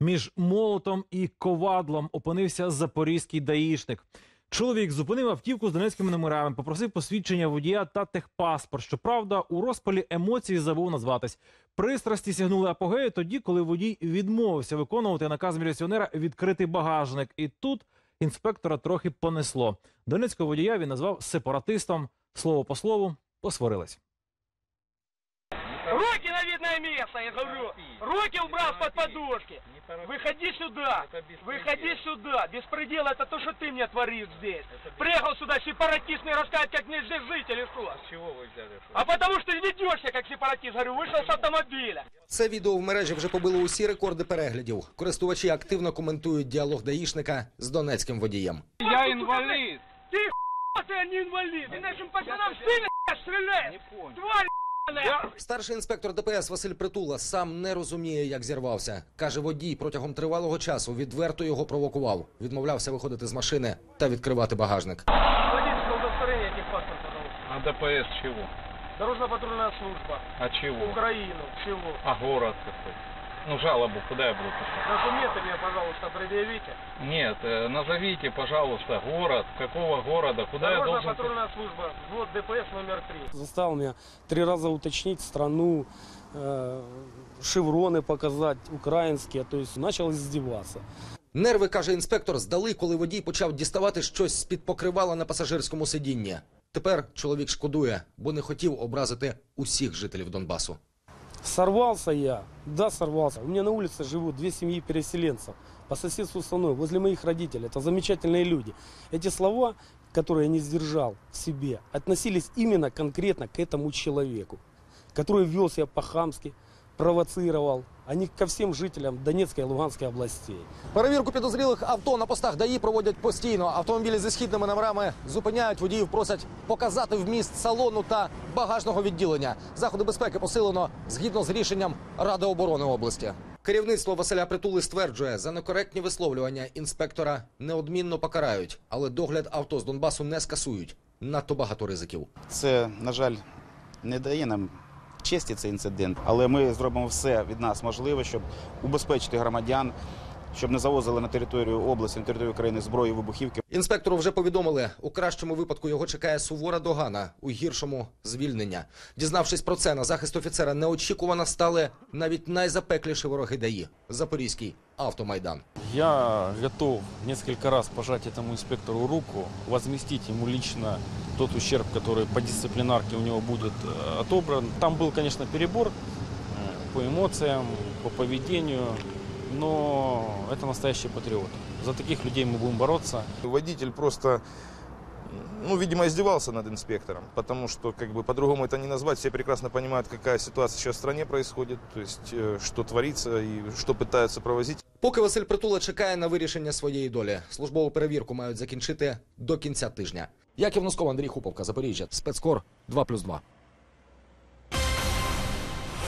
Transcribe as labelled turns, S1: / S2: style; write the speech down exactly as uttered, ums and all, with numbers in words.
S1: Між молотом і ковадлом опинився запорізький даїшник. Чоловік зупинив автівку з донецькими номерами, попросив посвідчення водія та техпаспорт. Щоправда, у розпалі емоцій забув назватись. Пристрасті сягнули апогею тоді, коли водій відмовився виконувати наказ міліціонера відкрити багажник. І тут інспектора трохи понесло. Донецького водія він назвав сепаратистом. Слово по слову, посварились.
S2: Руки на видное место, я говорю. Руки убрал под подушки. Выходи сюда. Выходи сюда. Беспредел это то, что ты мне творишь здесь. Приехал сюда сепаратист, мне рассказать, как мне здесь жить или что.
S3: С чего вы взяли?
S2: А потому что ведешься как сепаратист. Говорю, вышел с автомобиля.
S4: Це відео в мережі вже побило усі рекорди переглядів. Користувачі активно коментують діалог даїшника з донецьким водієм.
S2: Я инвалид. Ты хуй, ты не инвалид. Ты нашим пацанам в спину стреляешь. Тварь.
S4: Старший інспектор ДПС Василь Притула сам не розуміє, як зірвався. Каже, водій протягом тривалого часу відверто його провокував. Відмовлявся виходити з машини та відкривати багажник.
S2: Водительское удостоверение, техпаспорт, пожалуйста.
S3: А ДПС чего?
S2: Дорожно-патрульная служба.
S3: А чего?
S2: Украину. Чего?
S3: А город какой? Ну, жалобу куда я буду писать?
S2: Документы мне, пожалуйста, предъявите.
S3: Нет, э, назовите, пожалуйста, город. Какого города? Куда я должен...
S2: Дорожно-патрульная служба. Вот ДПС номер три.
S5: Заставил меня три раза уточнить страну, э, шевроны показать украинские, то есть начал издеваться.
S4: Нерви, каже інспектор, здали, коли водій почав діставати щось з-під покривала на пасажирському сидінні. Тепер чоловік шкодує, бо не хотів образити усіх жителів Донбасу.
S5: Сорвался я, да, сорвался. У меня на улице живут две семьи переселенцев по соседству со мной, возле моих родителей. Это замечательные люди. Эти слова, которые я не сдержал в себе, относились именно конкретно к этому человеку, который вел себя по-хамски, провоцировал, а не ко всем жителям Донецкой и Луганской областей.
S4: Перевірку підозрілих авто на постах ДАІ проводять постійно. Автомобілі зі східними номерами зупиняють, водіїв просять показати вміст салону та багажного відділення. Заходи безпеки посилено згідно з рішенням Ради оборони області. Керівництво Василя Притули стверджує, за некоректні висловлювання інспектора неодмінно покарають, але догляд авто з Донбасу не скасують. Надто багато ризиків.
S6: Це, на жаль, не дає нам честі цей інцидент, але ми зробимо все від нас можливе, щоб убезпечити громадян, щоб не завозили на територію області, на територію країни зброї, вибухівки.
S4: Інспектору вже повідомили, у кращому випадку його чекає сувора догана, у гіршому – звільнення. Дізнавшись про це, на захист офіцера неочікувано стали навіть найзапекліші вороги ДАІ – Запорізький автомайдан.
S7: Я готов несколько раз пожать этому инспектору руку, возместить ему лично тот ущерб, который по дисциплинарке у него будет отобран. Там был, конечно, перебор по эмоциям, по поведению, но это настоящий патриот. За таких людей мы будем бороться.
S8: Водитель просто, ну, видимо, издевался над инспектором, потому что, как бы, по-другому это не назвать. Все прекрасно понимают, какая ситуация сейчас в стране происходит, то есть, что творится и что пытаются провозить.
S4: Поки Василь Притула чекає на вирішення своєї долі, службову перевірку мають закінчити до кінця тижня. Яків Носков, Андрій Хуповка, Запоріжжя, Спецкор два плюс два.